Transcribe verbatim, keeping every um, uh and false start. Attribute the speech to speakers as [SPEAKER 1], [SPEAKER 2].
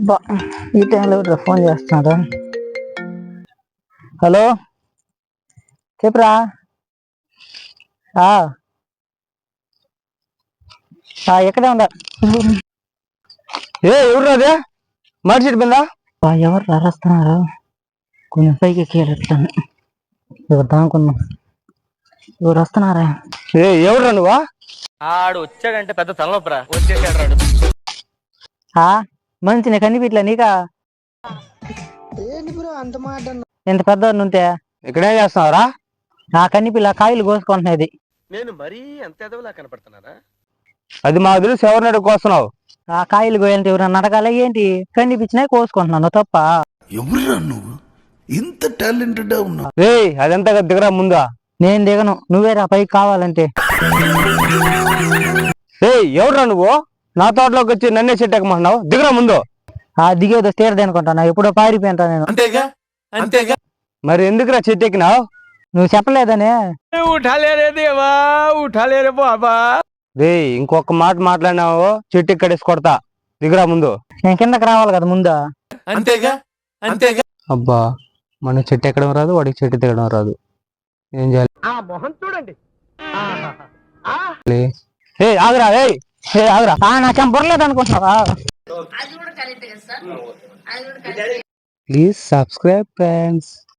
[SPEAKER 1] అబ్బా ఈ టైంలో ఫోన్ చేస్తున్నాడు. హలో చెప్పురా. ఎక్కడే ఉందా?
[SPEAKER 2] ఏ ఎవరు అదే మాట చెట్టు మీద
[SPEAKER 1] ఎవరు రాస్తున్నారు? కొంచెం పైకి ఎక్కేటట్లను ఎవరు దానుకున్నా. ఎవరు వస్తున్నారా?
[SPEAKER 2] ఏ ఎవరు నువ్వా?
[SPEAKER 3] ఆడు వచ్చాడంటే పెద్ద తలనొప్పరా. వచ్చేసాడు రాడు.
[SPEAKER 1] మంచి నీకు కనిపిట్లే నీకా? ఎంత పెద్ద ఉంటే
[SPEAKER 2] ఇక్కడేం చేస్తున్నావురా?
[SPEAKER 1] నా కనిపిల్ల కాయలు కోసుకుంటున్నది.
[SPEAKER 3] నేను మరీ అంత ఎదవలా కనపడుతున్నారా?
[SPEAKER 2] అది మా తెలుసు. ఎవరిని అడుగుకొస్తున్నావు?
[SPEAKER 1] ఆ కాయలు కోయాలంటే ఎవరన్నా అడగాల ఏంటి? కనిపించినాయి కోసుకుంటున్నాను తప్ప.
[SPEAKER 4] ఎవరురా నువ్వు ఇంత టాలెంటెడ్ ఉన్నావు?
[SPEAKER 2] రే అదంతా దిగరా ముందా.
[SPEAKER 1] నేను దిగను, నువ్వేరా పైకి కావాలంటే.
[SPEAKER 2] ఏ ఎవరురా నువ్వు? నా తోటలోకి వచ్చి నన్నే చెట్టు ఎక్కమంటున్నావు? దిగరా ముందు.
[SPEAKER 1] ఆ దిగేదో తీరది అనుకుంటాను, ఎప్పుడో పారిపోయింటా నేను.
[SPEAKER 3] అంతేగా అంతేగా
[SPEAKER 2] మరి ఎందుకురా చెట్టు ఎక్కినావు?
[SPEAKER 1] నువ్వు చెప్పలేదనే.
[SPEAKER 3] ఉఠాలేరే దేవా, ఉఠాలేరే బాబా.
[SPEAKER 2] రే ఇంకొక మాట మాట్లాడినావు చెట్టు ఎక్కడేసి కొడతా. దిగరా ముందు.
[SPEAKER 1] నేను కిందకి రావాలి కదా ముందా.
[SPEAKER 3] అంతేగా అంతేగా.
[SPEAKER 2] అబ్బా మన చెట్టు ఎక్కడం రాదు, వాడికి చెట్టు దిగడం రాదు. ఏం చేయాలి?
[SPEAKER 3] ఆ మొహం చూడండి.
[SPEAKER 2] ఏ ఆగరా. ఏ ఆగరా.
[SPEAKER 1] నాకేం బుర్రలేదు అనుకుంటున్నావా?
[SPEAKER 2] Please subscribe friends.